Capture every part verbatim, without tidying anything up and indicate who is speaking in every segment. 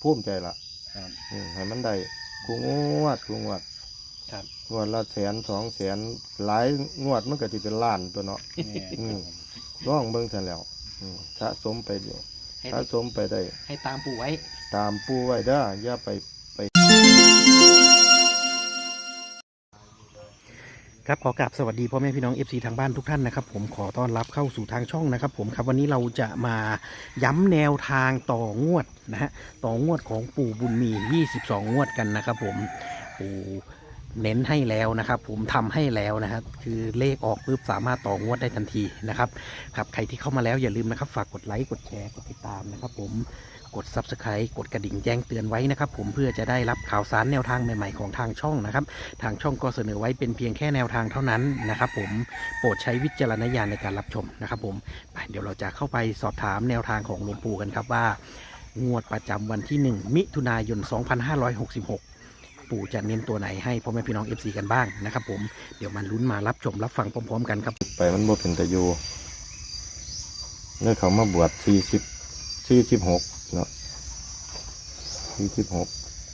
Speaker 1: ภูมิใจละให้มันได้กูงวดกูงวดงวดละแสนสองแสนหลายงวดมันก็จะเป็นล้านตัวเนาะร้องเบิ่งทันแล้วสะสมไปเดียวสะสมไปได้
Speaker 2: ให้ตามปู่ไว้
Speaker 1: ตามปู่ไว้เด้ออย่าไปไป
Speaker 2: ครับขอกราบสวัสดีพ่อแม่พี่น้อง เอฟ ซี ทางบ้านทุกท่านนะครับผมขอต้อนรับเข้าสู่ทางช่องนะครับผมครับวันนี้เราจะมาย้ำแนวทางต่องวดนะฮะต่องวดของปู่บุญมียี่สิบสองงวดกันนะครับผมปู่เน้นให้แล้วนะครับผมทำให้แล้วนะครับคือเลขออกปุ๊บสามารถต่องวดได้ทันทีนะครับครับใครที่เข้ามาแล้วอย่าลืมนะครับฝากกดไลค์กดแชร์กดติดตามนะครับผมกด ซับสไครบ์ กดกระดิ่งแจ้งเตือนไว้นะครับผมเพื่อจะได้รับข่าวสารแนวทางใหม่ๆของทางช่องนะครับทางช่องก็เสนอไว้เป็นเพียงแค่แนวทางเท่านั้นนะครับผมโปรดใช้วิจารณญาณในการรับชมนะครับผมเดี๋ยวเราจะเข้าไปสอบถามแนวทางของหลวงปู่กันครับว่างวดประจำวันที่หนึ่งมิถุนายนสองพันห้าร้อยหกสิบหกปู่จะเน้นตัวไหนให้พ่อแม่พี่น้อง เอฟ ซี กันบ้างนะครับผมเดี๋ยวมันลุ้นมารับชมรับฟังพร้อมๆกันครับ
Speaker 1: ไปมันบ่เป็นตะยูเนี่ยเขามาบวชสี่สิบสี่สิบหกเนาะสี่สิบหก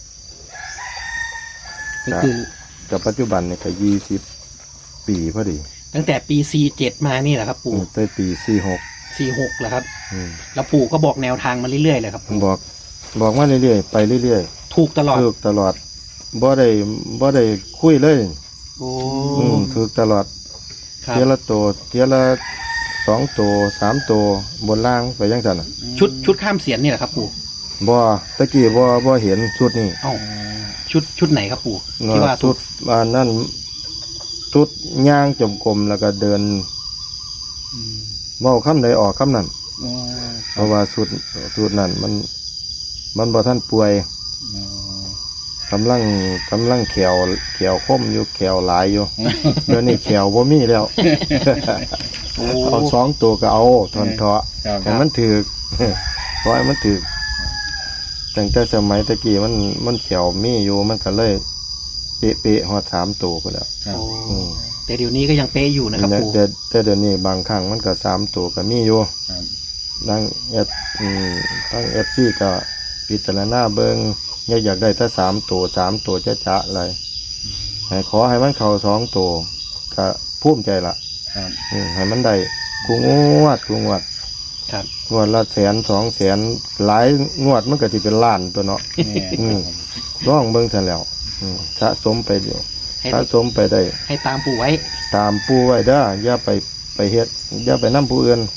Speaker 2: ก็คือ
Speaker 1: กับปัจจุบันเนี่ยก็ยี่สิบปีพอดี
Speaker 2: ตั้งแต่ปีสี่เจ็ดมานี่แหละครับปู่
Speaker 1: ตั้งปีสี่หก
Speaker 2: สี่หกแหละครับแล้วปู่ก็บอกแนวทางมาเรื่อยๆเลยครับ
Speaker 1: บอกบอกมาเรื่อยๆไปเรื่อย
Speaker 2: ๆถูกตลอด
Speaker 1: ถูกตลอดบ่ได้บ่ได้คุยเลย
Speaker 2: โอ้
Speaker 1: ถูกตลอดเทียละตัวเทียละสองตัวสามตัวบนล่างไปยังไง
Speaker 2: ชุดชุดข้ามเสียนนี่แหละครับปู่
Speaker 1: บ่ตะกี้บ่บ่เห็นชุดนี้
Speaker 2: เอ้าชุดชุดไหนครับปู่ที่ว่า
Speaker 1: ชุดอันนั้นชุดย่างจมกลมแล้วก็เดินเว้าคำใดออกคำนั้นเพราะว่าชุดชุดนั้นมันมันบ่ทันป่วยกำลังกำลังแขวแขวคมอยู่แขวหลายอยู่เดี๋ยวนี้แขวบ่มีแล้วเอาสองตัวก็เอาทนเถาะแต่มันถือเพราะมันถือตั้งแต่สมัยตะกี้มันมันเขียวมีอยู่มันก็เลยเป๊ะเป๊ะหอดสามตัวก็แล้ว
Speaker 2: แต่เดี๋ยวนี้ก็ยังเป๊ะอยู่นะครับปู่
Speaker 1: แต่แต่เดี๋ยวนี้บางครั้งมันก็สามตัวก็มีอยู่นั่งเอฟทั้งเอฟซีก็พิจารณาเบิ้งอยากได้ถ้าสามตัวสามตัวจะจะอะไรขอให้มันเข่าสองตัวก็ภูมิใจละให้มันได้กูงวดกูงวดงวดละแสนสองแสนหลายงวดมันก็จะเป็นล้านตัวเนาะร้องเบิ่งทันแล้วสะสมไปเดียวสะสมไปได้
Speaker 2: ให้ตามปู่ไว้
Speaker 1: ตามปู่ไว้เด้ออย่าไปไปเฮ็ดอย่าไปนำผู้อื่น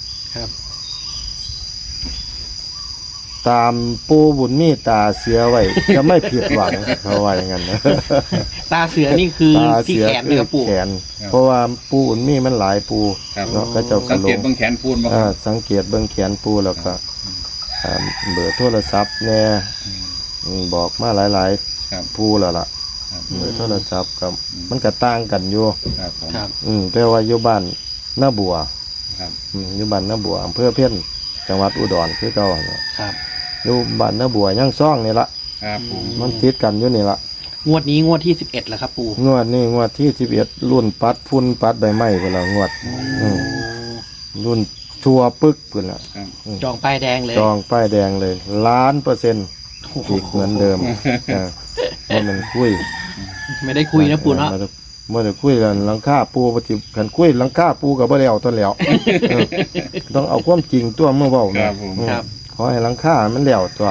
Speaker 1: ตามปู่บุญมีตาเสือไว้จะไม่ผิดหวังเขาว่าอย่างนั้นนะ
Speaker 2: ตาเสือนี่คือที่แขนนะครับปู่
Speaker 1: แขนเพราะว่าปู่บุญมีมันหลายปู่เนาะก็จะ
Speaker 3: สังเกตเบื้องแขนปูนบ่
Speaker 1: อ่าสังเกตเบื้องแขนปู่แล้วก็เบอร์โทรศัพท์แน่บอกมาหลายๆปู่แล้วล่ะเบอร์โทรศัพท์กับมันก็ต่างกันอยู่
Speaker 2: ครับ
Speaker 1: อืมแต่ว่าอยู่บ้านหน้าบัวครับอืมอยู่บ้านหน้าบัวอำเภอเพี้ยนจังหวัดอุดรคือเก่า
Speaker 2: ครับ
Speaker 1: อยู่บ้านหน้าบัวย่างซ่องนี่ละมันติดกันอยู่นี่ละ
Speaker 2: งวดนี้งวดที่สิบเอ็ดแล้วครับปู่
Speaker 1: งวดนี้งวดที่สิบเอ็ดรุ่นปัดพุ่นปัดใบไม้เวลางวดรุ่นทัวปึกเวลา
Speaker 2: จองป้ายแดงเลย
Speaker 1: จองป้ายแดงเลยล้านเปอร์เซ็นต์อีกเหมือนเดิมว่ามันคุย
Speaker 2: ไม่ได้คุยนะปู่เนาะ
Speaker 1: เมื่อคุยกันหลังคาปูปฏิกันคุยหลังคาปูกับบ่แล้วต้นแล้วต้องเอาความจริงตัวเมื่อเบานะครับขอให้หลังคามันแล้วตัว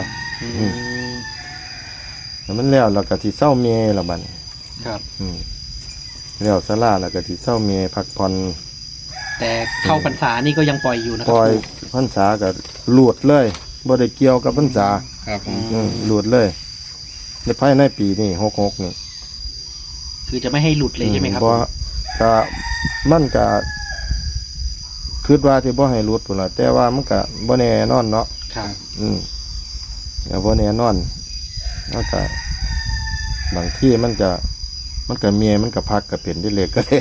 Speaker 1: มันแล้วเราก็ที่เศร้าเมียละบัน
Speaker 2: ครับ
Speaker 1: แล้วสลาแล้วก็ที่เศร้าเมียพักผ่อน
Speaker 2: แต่เข้าพรรษานี่ก็ยังปล่อยอยู่นะครับ
Speaker 1: ปล่อยพรรษาก็หลุดเลยบ่ได้เกี่ยวกับพรรษา
Speaker 3: ครับ
Speaker 1: หลุดเลยในภายในปีนี้หกหกนี่
Speaker 2: คือจะไม่ให้หลุดเลยใช่ไหมครับ
Speaker 1: เพราะก็มันก็คิดว่าที่บ่ให้หลุดพุ่นล่ะแต่ว่ามันก็บ่แน่นอนเนาะ
Speaker 2: ครับ
Speaker 1: อืมก็บ่แน่นอนแล้วก็บางที่มันจะมันก็เมียมันก็พักก็เป็นได้เลขก็ได้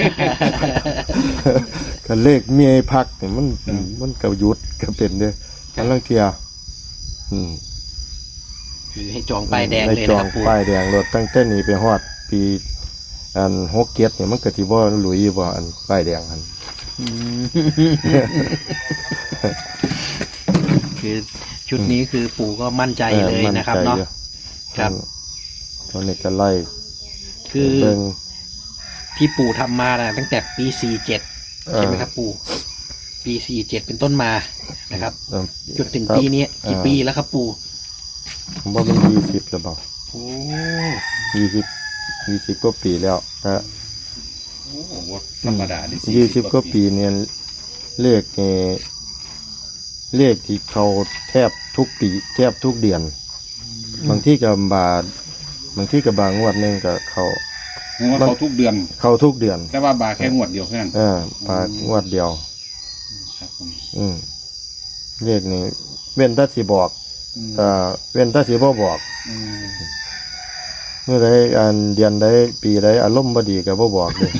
Speaker 1: ก็เลขเมียพักนี่มันมันก็หยุดก็เป็นเด้ทั้งลังเที่ยอืม
Speaker 2: คือให้จองป้ายแดงเลยนะครับ
Speaker 1: ปู่ป้ายแดงรถตั้งแต่นี้ไปฮอดปีอันหกเกียรติเนี่ยมันก็สิบ่หลุยบ่อันป้ายแดงหั่น
Speaker 2: คือชุดนี้คือปู่ก็มั่นใจเลยนะครับเนาะครับ
Speaker 1: ตอนนี้ก็ไล่
Speaker 2: คือ
Speaker 1: เบิ่ง
Speaker 2: ที่ปู่ทำมานะตั้งแต่ปีสี่เจ็ด
Speaker 1: เออ
Speaker 2: ใช่ไหมครับปู่ปีสี่เจ็ดเป็นต้นมานะครับ
Speaker 1: เออ
Speaker 2: จนถึงปีนี้กี่
Speaker 1: เออ
Speaker 2: ปีแล้วครับปู่
Speaker 1: ผมว่ามันยี่สิบหรือเปล่า
Speaker 2: โอ้
Speaker 1: ยี่สิบยี่สิบกว่าปีแล้วแต่
Speaker 3: โอ้โหธรรมดาดิ
Speaker 1: ยี่สิบกว่าปีเนี่ยเลขเนี่ยเลขที่เขาแทบทุกปีแทบทุกเดือน บางที่กับบาทบางที่กับบางงวดหนึงกับเขา
Speaker 3: เพราะว่าเขาทุกเดือน
Speaker 1: เขาทุกเดือน
Speaker 3: แต่ว่าบาแค่งวดเดียวแค่นั้น
Speaker 1: เออปากงวดเดียว
Speaker 3: ครับผม
Speaker 1: อืมเลขนี่เว้นแตัสิบอก
Speaker 3: อืม
Speaker 1: เอ่อเว้นแตัสิบ่บอก
Speaker 3: อืม
Speaker 1: เมื่อใดอันเดือนใดปีใดอารมณ์บ่ดีก็บ่บอกเลย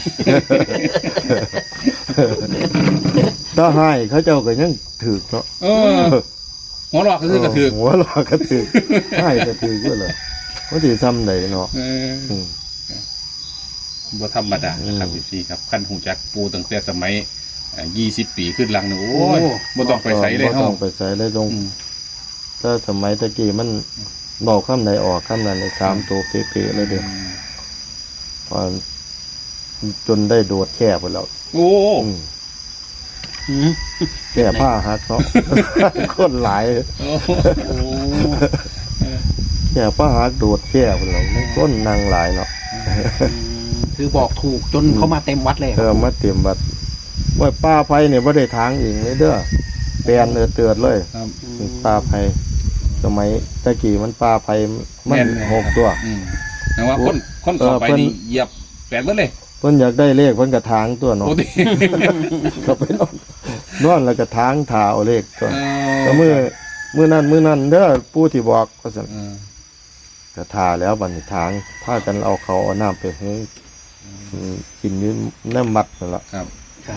Speaker 1: ถ้าให้เขาเจ้าก็ยังถือเนาะ
Speaker 3: เออหัวหลอกก็คือกระถือ
Speaker 1: หัวหลอกก็ถือให้ก็ถือก็เลยว่าสิซ้ำใดเนาะ
Speaker 3: เออ
Speaker 1: อืม
Speaker 3: บ่ธรรมดานะครับ
Speaker 1: อืม
Speaker 3: พี่ครับขั้นหูจักปูตั้งแต่สมัยยี่สิบปีขึ้นหลังนี่โอ้ยบ่ต้องไปใส่เลย
Speaker 1: บ่
Speaker 3: เฮา
Speaker 1: ต้องไปใส่เลยตรง
Speaker 3: อืม
Speaker 1: ถ้าสมัยตะกี้มันบอกคำใดออกคำนั้นในสามตัวเป๊ะๆเลยเด้อพอจนได้โดดแค่ไปแล้ว
Speaker 3: โอ้
Speaker 1: อืม
Speaker 2: อืม
Speaker 1: แค่ผ้าหักเนาะ คนหลาย
Speaker 3: โอ้โห
Speaker 1: แค่ผ้าหักโดดแค่ไปแล้วมันก้นนางหลายเนาะ
Speaker 2: คือบอกถูกจนเขามาเต็มวัดเลย
Speaker 1: เออมาเตรียมบัดว่าป้าไผเนี่ยบ่ได้ทางเองเลยเด้อแปลนเออเตือนเลย
Speaker 3: ครับ
Speaker 1: ป้าไผสมัยตะกี้มันป้าไผมัน
Speaker 3: แม่น
Speaker 1: หกตัว
Speaker 3: อืมแต่ว่าคนคนต่อไป
Speaker 1: เออเพิ่น
Speaker 3: นี่เหยียบแปดเบิดเลย
Speaker 1: เพิ่นอยากได้เลขเพิ่นก็ทางตัวเนาะ
Speaker 3: โอ้ดิ
Speaker 1: ก็ไปนอนนอนแล้วก็ทางถาเอาเลขตัว
Speaker 3: เอ
Speaker 1: ก็มือมือนั้นมือนั้นเด้อปู่ที่บอกก็ซั่น
Speaker 3: เออ
Speaker 1: ก็ทาแล้วบัดนี้ทางพากันเอาเขาเอาน้ำไปให้อืมกินอยู่น้ำมัดนั่นล่ะ
Speaker 3: ครับ
Speaker 2: ครับ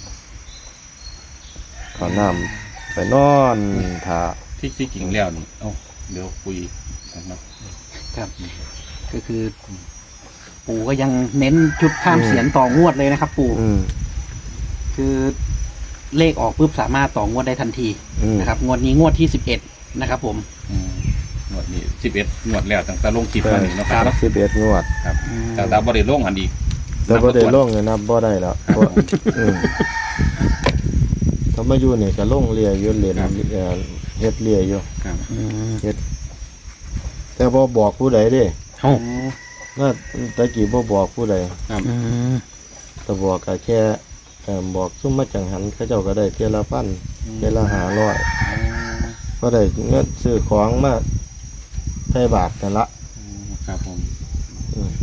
Speaker 1: เขาน้ำไปนอนทา
Speaker 3: ที่ที่กิ่งแล้วนี่เอ้าเดี๋ยวคุยกันเนาะ
Speaker 2: ครับ ก็คือ ปู่ก็ยังเน้นชุดข้ามเสียนต่องวดเลยนะครับ ปู่
Speaker 1: อืม
Speaker 2: คือเลขออกปุ๊บสามารถต่องวดได้ทันที
Speaker 1: อืม
Speaker 2: นะครับงวดนี้งวดที่สิบเอ็ดนะครับผม
Speaker 3: อืมงวดนี้สิบเอ็ดงวดแล้วตั้งแต่ลงคลิปมานี่เนาะครับ
Speaker 1: สิบเอ็ดงวด
Speaker 3: ครับแต่แต่บ่ได้ลงอันอีก
Speaker 1: แต่บ่ได้ลงเลยนะบ่ได้แล้วบ่อืมถ้ามาอยู่นี่ก็ลงเรียอยู่เรียนเอ่อเฮ็ดเรียอยู่
Speaker 3: ครับ
Speaker 2: อืม
Speaker 1: แต่บ่บอกผู้ใดเด้
Speaker 2: โอ้
Speaker 1: น่าตะกี้บ่บอกผู้ใด
Speaker 3: ครับ
Speaker 2: อืม
Speaker 1: แต่บอกก็แค่เอ่อบอกซุ่มมาจังหันเขาเจ้าก็ได้เทื่อละพันเทื่อละห้าร้อยก็ได้เงินซื้อของมาใช้บาทนั่นละ
Speaker 3: ครับผม
Speaker 1: อืม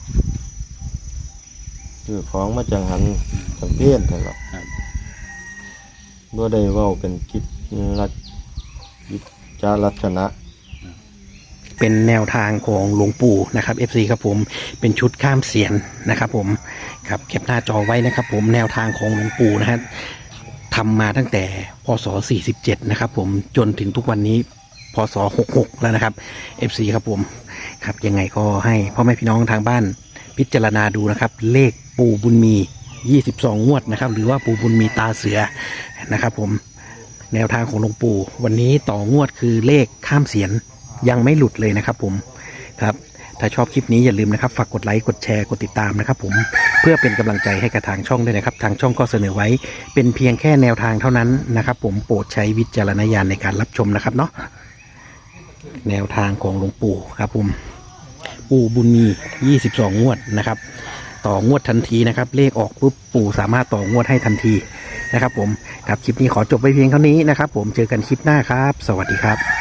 Speaker 1: ซื้อของมาจังหันจังเพี้ยนนั่นละ
Speaker 3: ครับ
Speaker 1: บ่ได้เว้าเป็นกิจลักกิจจาลักษณะ
Speaker 2: เป็นแนวทางของหลวงปู่นะครับ เอฟ ซี ครับผมเป็นชุดข้ามเสียนนะครับ ผมครับแคปหน้าจอไว้นะครับ ผมแนวทางของหลวงปู่นะฮะทำมาตั้งแต่พศสี่สิบเจ็ดนะครับ ผมจนถึงทุกวันนี้พศหกสิบหกแล้วนะครับ เอฟ ซี ครับผมครับยังไงก็ให้พ่อแม่พี่น้องทางบ้านพิจารณาดูนะครับ เลขปู่บุญมียี่สิบสองงวดนะครับ หรือว่าปู่บุญมีตาเสือนะครับ ผมแนวทางของหลวงปู่วันนี้ต่องวดคือเลขข้ามเสียนยังไม่หลุดเลยนะครับ ผมครับถ้าชอบคลิปนี้อย่าลืมนะครับฝากกดไลค์กดแชร์กดติดตามนะครับ ผมเพื่อเป็นกำลังใจให้กับทางช่องด้วยนะครับ ทางช่องก็เสนอไว้เป็นเพียงแค่แนวทางเท่านั้นนะครับ ผมโปรดใช้วิจารณญาณในการรับชมนะครับเนาะแนวทางของหลวงปู่ครับผมปู่บุญมียี่สิบสองงวดนะครับ ต่องวดทันทีนะครับ เลขออกปุ๊บปู่สามารถต่องวดให้ทันทีนะครับ ผมครับคลิปนี้ขอจบไปเพียงเท่านี้นะครับ ผมเจอกันคลิปหน้าครับ สวัสดีครับ